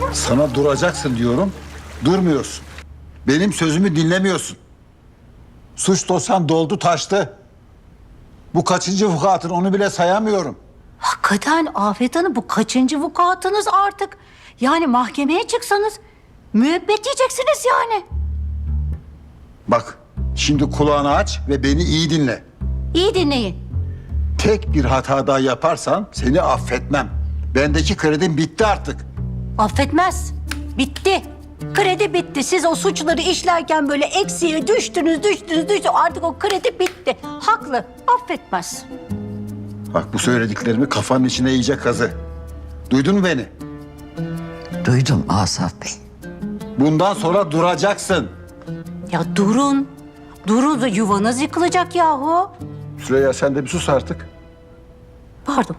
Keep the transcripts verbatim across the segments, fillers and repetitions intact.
Sana duracaksın diyorum, durmuyorsun. Benim sözümü dinlemiyorsun. Suç dosyan doldu taştı. Bu kaçıncı vukuatın onu bile sayamıyorum. Hakikaten Afet Hanım bu kaçıncı vukuatınız artık? Yani mahkemeye çıksanız müebbet yiyeceksiniz yani. Bak, şimdi kulağını aç ve beni iyi dinle. İyi dinleyin. Tek bir hata daha yaparsan seni affetmem. Bendeki kredim bitti artık. Affetmez. Bitti. Kredi bitti. Siz o suçları işlerken böyle eksiye düştünüz, düştünüz, düştünüz. Artık o kredi bitti. Haklı. Affetmez. Bak bu söylediklerimi kafanın içine iyice kazı. Duydun mu beni? Duydum Asaf Bey. Bundan sonra duracaksın. Ya durun. Durun da yuvanız yıkılacak yahu. Süreyya sen de bir sus artık. Pardon.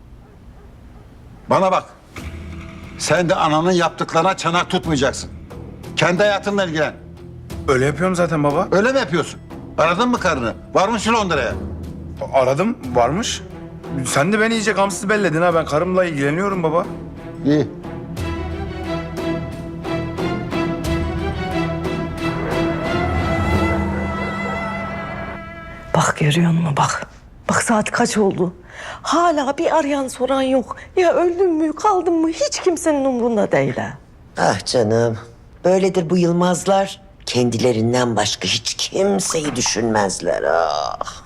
Bana bak. Sen de ananın yaptıklarına çanak tutmayacaksın. Kendi hayatınla ilgilen. Öyle yapıyorum zaten baba. Öyle mi yapıyorsun? Aradın mı karını? Var mısın Londra'ya? Aradım, varmış. Sen de beni iyice gamsız belledin ha. Ben karımla ilgileniyorum baba. İyi. Bak görüyor musun bak. Bak saat kaç oldu. Hala bir arayan soran yok. Ya öldün mü kaldın mı hiç kimsenin umrunda değil ha. Ah canım. Böyledir bu Yılmazlar. Kendilerinden başka hiç kimseyi düşünmezler. Ah.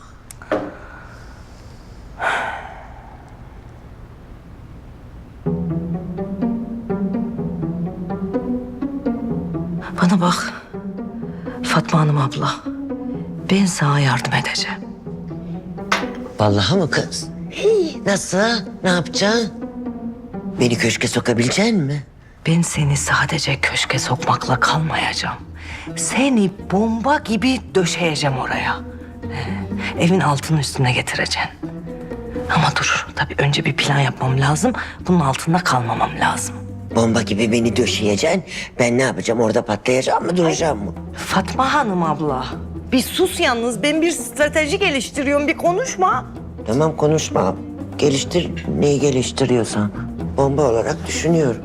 Bana bak. Fatma Hanım abla. Ben sana yardım edeceğim. Vallahi mı kız? Hey, nasıl? Ne yapacaksın? Beni köşke sokabilecek mi? Ben seni sadece köşke sokmakla kalmayacağım. Seni bomba gibi döşeyeceğim oraya. Ee, evin altını üstüne getireceğim. Ama dur, tabii önce bir plan yapmam lazım. Bunun altında kalmamam lazım. Bomba gibi beni döşeyeceksin. Ben ne yapacağım? Orada patlayacağım mı, duracağım mı? Fatma Hanım abla. Bir sus yalnız. Ben bir strateji geliştiriyorum. Bir konuşma. Tamam konuşma. Geliştir, neyi geliştiriyorsan. Bomba olarak düşünüyorum.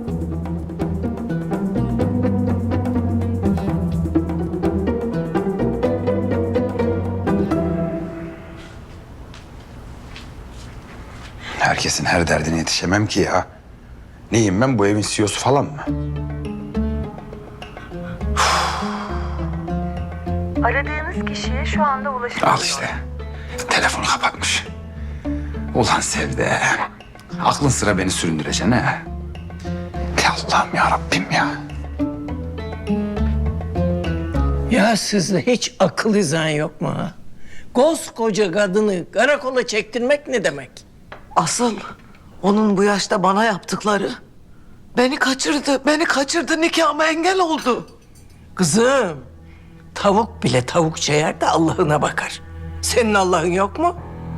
Herkesin her derdine yetişemem ki ya. Neyim ben, bu evin C E O'su falan mı? Aradığınız kişiye şu anda ulaşılamıyor. Al işte. Telefonu kapatmış. Ulan Sevde. Aklın sıra beni süründüreceksin ha. Ya Allah'ım ya Rabbim ya. Ya sizde hiç akıl izan yok mu ha? Koskoca kadını karakola çektirmek ne demek? Asıl onun bu yaşta bana yaptıkları beni kaçırdı. Beni kaçırdı, nikahıma engel oldu. Kızım, tavuk bile tavukça yer de Allah'ına bakar. Senin Allah'ın yok mu?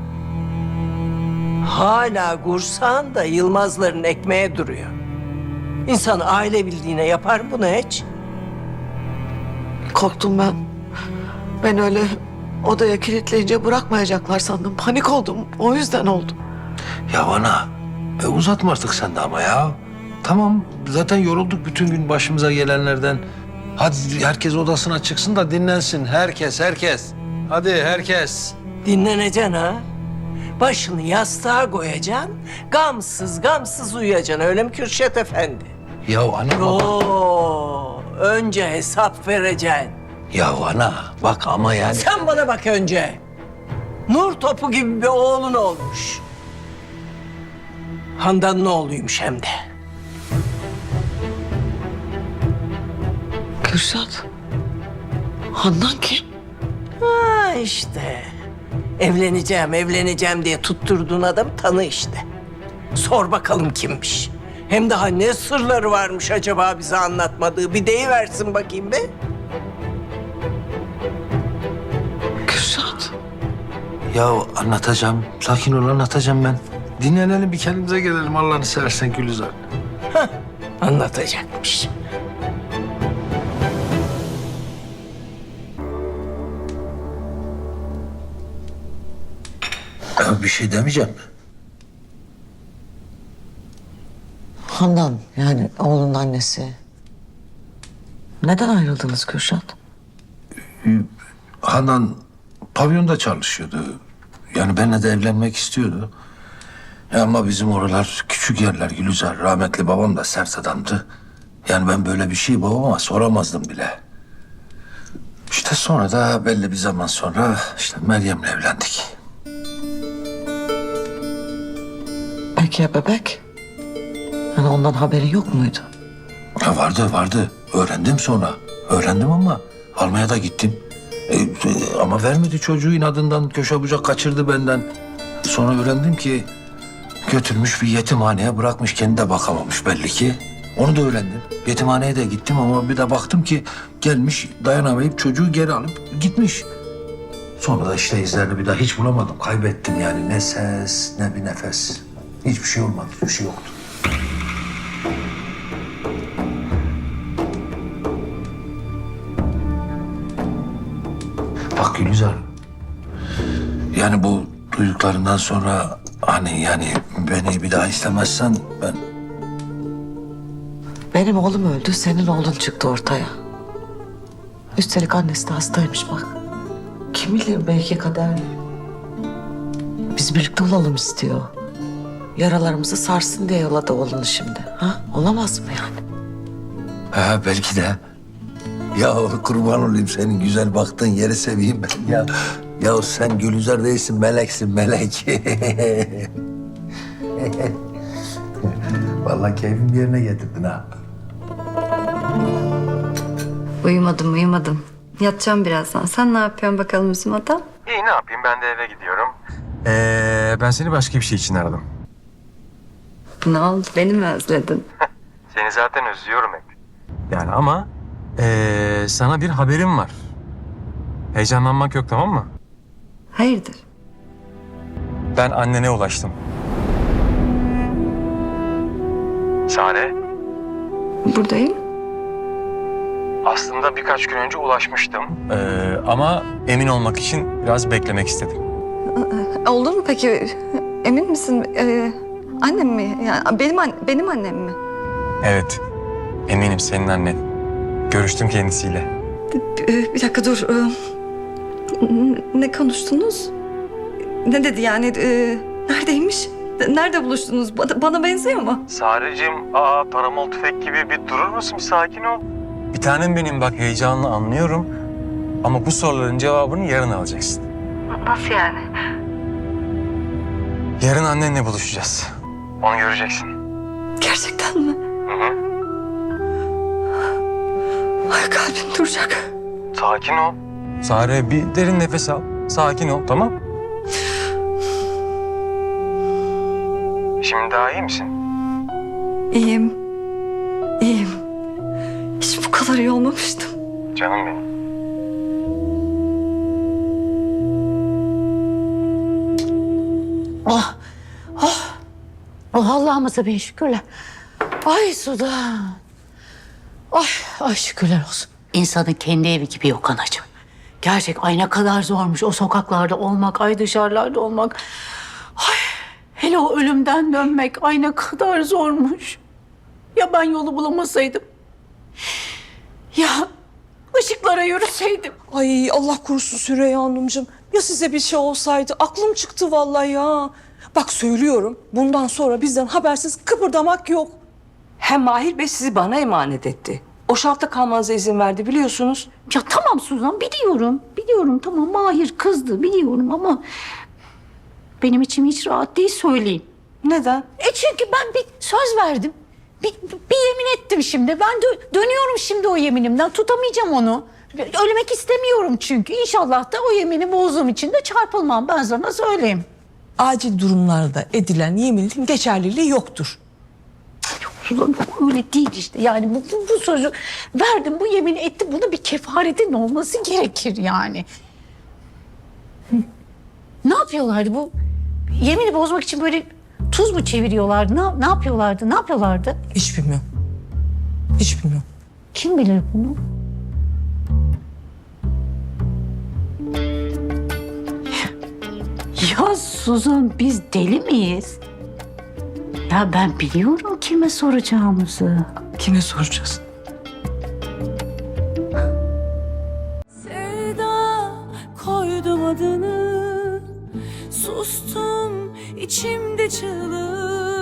Hala kursan da Yılmazların ekmeğe duruyor. İnsan aile bildiğine yapar mı bunu hiç? Korktum ben. Ben öyle odaya kilitleyince bırakmayacaklar sandım. Panik oldum. O yüzden oldu. Ya ana, e uzatma artık sen de ama ya. Tamam, zaten yorulduk bütün gün başımıza gelenlerden. Hadi herkes odasına çıksın da dinlensin. Herkes, herkes. Hadi herkes. Dinleneceksin ha. Başını yastığa koyacaksın. Gamsız gamsız uyuyacaksın. Öyle mi Kürşet Efendi? Ya ana baba. Oo, önce hesap vereceksin. Ya ana, bak ama yani. Sen bana bak önce. Nur topu gibi bir oğlun olmuş. Handan'ın oğluymuş hem de. Kürşat. Handan kim? Ha işte. Evleneceğim, evleneceğim diye tutturduğun adam tanı işte. Sor bakalım kimmiş. Hem daha ne sırları varmış acaba bize anlatmadığı. Bir deyiversin bakayım be. Kürşat. Ya anlatacağım, sakin ol anlatacağım ben. Dinlenelim bir kendimize gelelim Allah'ını seversen Gülizar. Anlatacakmış. Ya bir şey demeyeceğim mi? Handan yani oğlunun annesi. Neden ayrıldınız Kürşat? Handan pavyonda çalışıyordu. Yani benimle de evlenmek istiyordu. Ya ama bizim oralar küçük yerler Gülizar. Rahmetli babam da sert adamdı. Yani ben böyle bir şey babama soramazdım bile. İşte sonra da belli bir zaman sonra işte Meryem'le evlendik. Peki ya bebek? Yani ondan haberi yok muydu? Ya vardı vardı. Öğrendim sonra. Öğrendim ama almaya da gittim. E, e, ama vermedi çocuğu inadından köşe bucak kaçırdı benden. Sonra öğrendim ki götürmüş bir yetimhaneye bırakmış, kendi de bakamamış belli ki. Onu da öğrendim. Yetimhaneye de gittim ama bir de baktım ki gelmiş dayanamayıp çocuğu geri alıp gitmiş. Sonra da işte izlerini bir daha hiç bulamadım. Kaybettim yani ne ses ne bir nefes. Hiçbir şey olmadı, hiçbir şey yoktu. Bak Gülizar, yani bu duyduklarından sonra hani yani beni bir daha istemezsen ben... Benim oğlum öldü, senin oğlun çıktı ortaya. Üstelik annesi de hastaymış bak. Kim bilir belki kader. Biz birlikte olalım istiyor. Yaralarımızı sarsın diye yolladı oğlunu şimdi. Ha? Olamaz mı yani? Ha belki de. Ya kurban olayım senin güzel baktığın yeri seveyim ben ya. Ya sen Gülizar değilsin, meleksin, melek. Vallahi keyfim yerine getirdin ha. Uyumadım uyumadım. Yatacağım birazdan. Sen ne yapıyorsun bakalım bizim adam? İyi ne yapayım ben de eve gidiyorum. Ee, ben seni başka bir şey için aradım. Ne oldu? Beni mi özledin? Seni zaten özlüyorum hep. Yani ama ee, sana bir haberim var. Heyecanlanmak yok, tamam mı? Hayırdır? Ben annene ulaştım. Sare? Buradayım. Aslında birkaç gün önce ulaşmıştım. Ee, ama emin olmak için biraz beklemek istedim. Oldu mu peki? Emin misin? Ee, annem mi? Yani benim an- benim annem mi? Evet, eminim senin annen. Görüştüm kendisiyle. Ee, bir dakika dur. Ee, n- ne konuştunuz? Ne dedi yani? Ee, neredeymiş? Nerede buluştunuz? Bana, bana benziyor mu? Sarıcığım, aa paramol tüfek gibi bir durur musun? Bir sakin ol. Bir tanem benim, bak heyecanlı anlıyorum. Ama bu soruların cevabını yarın alacaksın. Nasıl yani? Yarın annenle buluşacağız. Onu göreceksin. Gerçekten mi? Hı hı. Ay kalbim duracak. Sakin ol. Sare bir derin nefes al. Sakin ol, tamam? Şimdi daha iyi misin? İyiyim. İyiyim. Hiç bu kadar iyi olmamıştım. Canım benim. Oh, oh, oh Allah'ımıza bin şükürler. Ay Sudan. Ay, ay şükürler olsun. İnsanın kendi evi gibi yok anacığım. Gerçek ay ne kadar zormuş o sokaklarda olmak, ay dışarılarda olmak. Ay, hele o ölümden dönmek ay ne kadar zormuş. Ya ben yolu bulamasaydım? Ya ışıklara yürüseydim? Ay Allah korusun Süreyya Hanımcığım. Ya size bir şey olsaydı? Aklım çıktı vallahi ya. Bak söylüyorum, bundan sonra bizden habersiz kıpırdamak yok. Hem Mahir Bey sizi bana emanet etti. O şartta kalmanıza izin verdi biliyorsunuz. Ya tamam Suzan biliyorum. Biliyorum tamam Mahir kızdı biliyorum ama... benim içim hiç rahat değil söyleyeyim. Neden? E çünkü ben bir söz verdim. Bir, bir yemin ettim şimdi. Ben dö- dönüyorum şimdi o yeminimden. Tutamayacağım onu. Ölmek istemiyorum çünkü. İnşallah da o yemini bozduğum için de çarpılmam. Ben sana söyleyeyim. Acil durumlarda edilen yeminin geçerliliği yoktur. Suzan öyle değil işte. Yani bu, bu, bu sözü verdim, bu yemini ettim. Buna bir kefaretin olması gerekir yani. Hı. Ne yapıyorlardı bu? Yemini bozmak için böyle tuz mu çeviriyorlardı? Ne, ne yapıyorlardı? Ne yapıyorlardı? Hiç bilmiyorum. Hiç bilmiyorum. Kim bilir bunu? Ya Suzan biz deli miyiz? Ya ben biliyorum kime soracağımızı. Kime soracağız? Sevda koydum adını, sustum içimde çığlık.